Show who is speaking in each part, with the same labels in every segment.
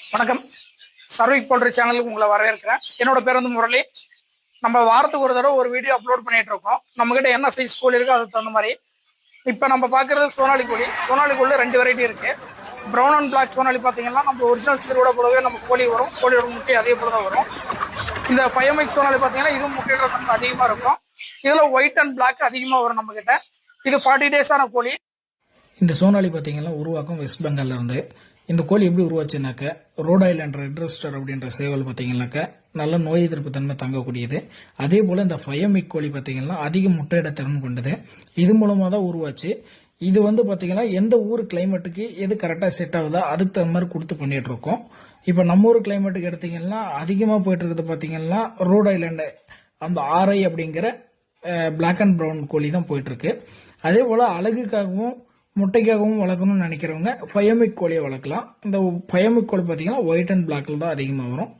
Speaker 1: வணக்கம். சர்விக் போல்ட்ரி சேனலுக்கு உங்களை வரவேற்கிறேன். என்னோட பேர் வந்து முரளி. நம்ம வாரத்துக்கு ஒரு தடவை ஒரு வீடியோ அப்லோட் பண்ணிட்டு இருக்கோம். நம்ம கிட்ட என்ன சைஸ் கோழி இருக்கோ அதுக்கு தகுந்த மாதிரி. இப்போ நம்ம பார்க்கறது சோனாலி கோழி. சோனாலி கோழியில் 2 வெரைட்டி இருக்கு. ப்ரௌன் அண்ட் பிளாக் சோனாலி பார்த்தீங்கன்னா நம்ம ஒரிஜினல் சீரோட போலவே நம்ம கோழி வரும். கோழியோட முட்டை அதே போல தான் வரும். இந்த 5MX சோனாலி பார்த்தீங்கன்னா இதுவும் முட்டையோட தன்மை அதிகமாக இருக்கும். இதில் ஒயிட் அண்ட் பிளாக் அதிகமாக வரும் நம்ம கிட்ட. இது 40 டேஸான கோழி.
Speaker 2: இந்த சோனாலி பார்த்தீங்கன்னா உருவாக்கம் வெஸ்ட் பெங்கால்ல இருந்து. இந்த கோழி எப்படி உருவாச்சுனாக்க ரோட் ஐலண்ட் ரெட் ரோஸ்டர் அப்படின்ற சேவல் பார்த்தீங்கன்னாக்க நல்ல நோய் எதிர்ப்பு தன்மை தங்கக்கூடியது. அதே போல இந்த 5MX கோழி பார்த்தீங்கன்னா அதிக முட்டையிட திறன் கொண்டது. இது மூலமாக தான் உருவாச்சு. இது வந்து பார்த்தீங்கன்னா எந்த ஊர் கிளைமேட்டுக்கு எது கரெக்டாக செட் ஆகுதோ அதுக்கு தகுந்த மாதிரி கொடுத்து பண்ணிட்டு இருக்கோம். இப்போ நம்ம ஊர் கிளைமேட்டுக்கு எடுத்தீங்கன்னா அதிகமாக போயிட்டு இருக்கிறது பார்த்தீங்கன்னா ரோட் ஐலண்டு அந்த RI அப்படிங்கிற பிளாக் அண்ட் ப்ரௌன் கோழி தான் போயிட்டு இருக்கு. அதே போல அழகுக்காகவும் முட்டைக்காகவும் வளர்க்கணும்னு நினைக்கிறவங்க 5MX கோழியை வளர்க்கலாம். இந்த 5MX கோழி பார்த்தீங்கன்னா ஒயிட் அண்ட் பிளாக்ல தான் அதிகமாக வரும்.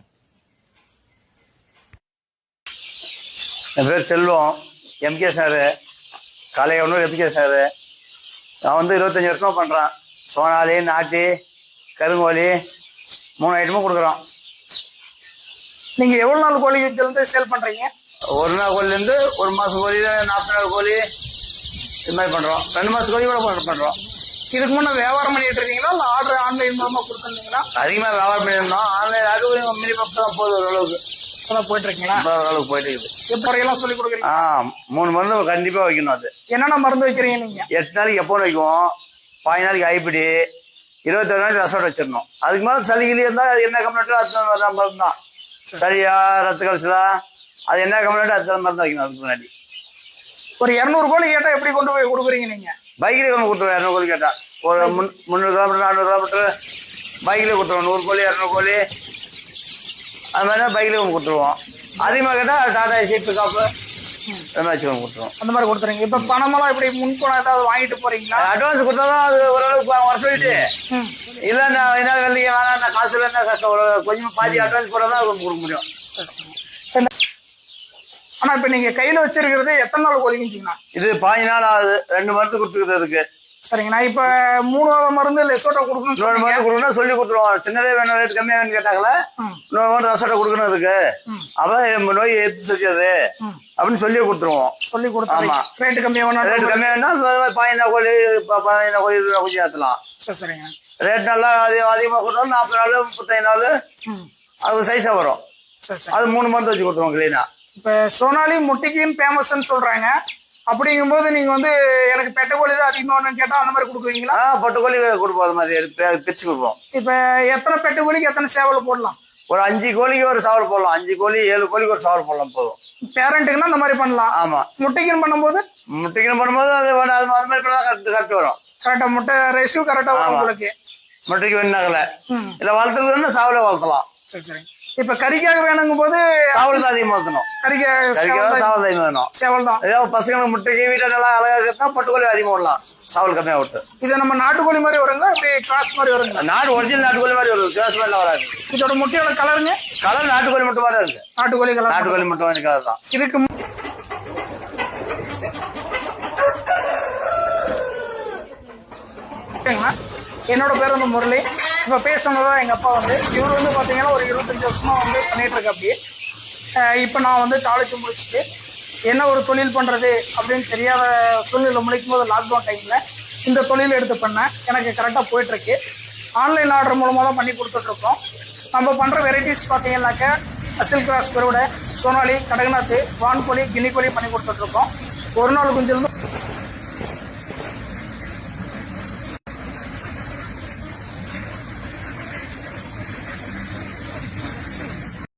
Speaker 3: என் பேர் Selvam, MK sir, Kalaiyanur MK sir. நான் வந்து 25 வருஷமா பண்ணுறேன். சோனாலி, நாட்டி, கருங்கோழி 3 ஐட்டமும் கொடுக்குறோம்.
Speaker 1: நீங்கள் எவ்வளோ நாள் கோழி இருந்து சேல் பண்ணுறீங்க?
Speaker 3: ஒரு நாள் கோழிலேருந்து ஒரு மாதம் கோழி, 40 நாள் கோழி இது மாதிரி பண்ணுறோம். 2 மாதம் கோழி கூட பண்ணுறோம்.
Speaker 1: இதுக்கு முன்னே வியாபாரம் பண்ணிட்டு இருக்கீங்களா இல்லை ஆர்டர் ஆன்லைன் மூலமாக கொடுத்துருந்தீங்களா?
Speaker 3: அதிகமாக வியாபாரம் பண்ணியிருந்தோம். ஆன்லைன் அது மினிமம் தான் போகுது. ஓரளவுக்கு
Speaker 1: இப்போதான் போயிட்டு இருக்கீங்களா?
Speaker 3: ஓரளவுக்கு போயிட்டு இருக்குது.
Speaker 1: எப்படியெல்லாம் சொல்லி கொடுக்குறீங்க?
Speaker 3: 3 மருந்து கண்டிப்பாக வைக்கணும். அது
Speaker 1: என்னென்ன மருந்து வைக்கிறீங்க நீங்க?
Speaker 3: 8 நாளைக்கு எப்போ வைக்குவோம், 15 நாளைக்கு ஐப்பிடி, 21 நாளைக்கு ரசோட வச்சிடணும். அதுக்கு மேலே சளிகிலி இருந்தால் என்ன கம்ப்ளைண்ட்டோ அது மருந்து தான். சரியா ரத்த கலசலா அது என்ன கம்ப்ளைண்ட்டோ அது மருந்து வைக்கணும். அதுக்கு முன்னாடி
Speaker 1: ஒரு 200 கோழி கேட்டால் எப்படி கொண்டு போய் கொடுக்குறீங்க நீங்க?
Speaker 3: பைக்கில் கொண்டு கொடுத்துருவோம். 200 கோழி கேட்டால் ஒரு 300 கிலோமீட்டர் 400 கிலோமீட்டர் பைக்கில் கொடுத்துருவோம். 100 கோழி 200 கோழி அது மாதிரி தான் பைக்கில் கொண்டு கொடுத்துருவோம். அதிகமாக கேட்டால் டாடா ஏசி பிக்கப்பு வச்சு கொண்டு கொடுத்துருவோம்.
Speaker 1: அந்த மாதிரி கொடுத்துருங்க. இப்போ பணமெல்லாம் இப்படி முன்பணம் ஏதாவது வாங்கிட்டு போறீங்களா?
Speaker 3: அட்வான்ஸ் கொடுத்தா தான் அது ஓரளவுக்கு வர சொல்லிட்டு இல்லை நான் என்ன வெள்ளிங்க வேணாம், நான் காசு இல்லை, கஷ்டம் ஒரு கொஞ்சம் பாதி அட்வான்ஸ் போட தான் கொடுக்க முடியும்.
Speaker 1: ஆனா இப்ப நீங்க கையில வச்சிருக்கிறது எத்தனை நாள் கோழிக்குங்களா?
Speaker 3: இது 15 நாள் ஆகுது. 2 மருந்து கொடுத்துக்கிறது இருக்கு.
Speaker 1: சரிங்க. நான் இப்ப 3வது மருந்து லெசோட்டா கொடுக்கணும்.
Speaker 3: 3 மருந்து கொடுக்கணும் சொல்லி கொடுத்துருவோம். சின்னதே வேணும், ரேட் கம்மியா வேணும்னு கேட்டாங்களா 3 மருந்து ரசோட்டா கொடுக்கணும் இருக்கு. அப்ப நோய் எதிர்த்து செஞ்சது அப்படின்னு சொல்லி கொடுத்துருவோம்.
Speaker 1: சொல்லி கொடுத்தோம். ஆமா, ரேட் கம்மியா வேணும்.
Speaker 3: ரேட் கம்மியா வேணா 15 கோழி 15 கோழி கொஞ்சம் ஏற்றலாம்.
Speaker 1: சரிங்க.
Speaker 3: ரேட் நல்லா அதிகமாக கொடுத்தோம். 40 நாள் 35 நாள் அது சைஸா வரும். அது 3 மருந்து வச்சு கொடுத்துருவோம் கிளீனா.
Speaker 1: இப்ப சோனாலி முட்டைக்குன்னு ஃபேமஸ்ன்னு சொல்றாங்க. அப்படிங்கும்போது நீங்க வந்து எனக்கு பெட்ட கோழி தான் அதிகமா வேணும்னு கேட்டா அந்த மாதிரி கொடுக்குறீங்களா?
Speaker 3: பெட்ட கோழி கொடுப்போம். அது மாதிரி பிரிச்சு கொடுப்போம்.
Speaker 1: இப்ப எத்தனை பெட்ட கோழிக்கு எத்தனை சேவல் போடலாம்?
Speaker 3: ஒரு 5 கோழிக்கு ஒரு சாவல் போடலாம். 5 கோழி 7 கோழிக்கு ஒரு சாவல் போடலாம் போதும்.
Speaker 1: பேரண்ட்டுக்குன்னா அந்த மாதிரி பண்ணலாம்.
Speaker 3: ஆமா.
Speaker 1: முட்டைக்குன்னு பண்ணும்போது
Speaker 3: அது மாதிரி பண்ணா கரெக்ட் வரும்.
Speaker 1: கரெக்டா முட்டை ரேஷியோ கரெக்டா வரும் உங்களுக்கு.
Speaker 3: முட்டைக்கு வேணாங்கல இல்ல வளர்த்துறதுன்னா சாவலை வளர்த்தலாம்.
Speaker 1: சரி சரி. இப்ப கறிக்காக வேணுங்கும் போது
Speaker 3: சாவல் தான் அதிகமா வளர்த்தணும். கறிக்காக சாவல் தான் வேணும்.
Speaker 1: சேவல் தான்.
Speaker 3: ஏதாவது பசங்களுக்கு முட்டைக்கு வீட்டை நல்லா அழகா இருந்தா பட்டுக்கோழி அதிகமா விடலாம். சாவல் கம்மியா விட்டு.
Speaker 1: இது நம்ம நாட்டுக்கோழி மாதிரி வருங்க, இப்படி கிராஸ் மாதிரி வருங்க?
Speaker 3: நாட்டு ஒரிஜினல் நாட்டுக்கோழி மாதிரி வரும். கிராஸ் மாதிரிலாம் வராது.
Speaker 1: இதோட முட்டையோட கலருங்க?
Speaker 3: கலர் நாட்டுக்கோழி முட்டை மாதிரி இருக்கு.
Speaker 1: நாட்டுக்கோழி கலர்.
Speaker 3: நாட்டுக்கோழி முட்டை மாதிரி கலர் தான்.
Speaker 1: இதுக்கு என்னோட பேர் வந்து முரளி. இப்ப பேசணுதான் எங்க அப்பா வந்து இவர் வந்து பாத்தீங்கன்னா ஒரு 25 வருஷமா வந்து பண்ணிட்டு இருக்க. அப்படி இப்ப நான் வந்து காலேஜ் முடிச்சுட்டு என்ன ஒரு தொழில் பண்றது அப்படின்னு தெரியாத சூழ்நிலை முடிக்கும் போது லாக்டவுன் டைம்ல இந்த தொழில் எடுத்து பண்ணேன். எனக்கு கரெக்டா போயிட்டு இருக்கு. ஆன்லைன் ஆர்டர் மூலமா தான் பண்ணி கொடுத்துட்டு இருக்கோம். நம்ம பண்ற வெரைட்டிஸ் பாத்தீங்கன்னாக்க அசில் கிராஸ் பெருவிட, சோனாலி, கடகநாத்து, வான்கோழி, கினி கோழி பண்ணி கொடுத்துட்டு இருக்கோம். ஒரு நாள் குஞ்சிலிருந்து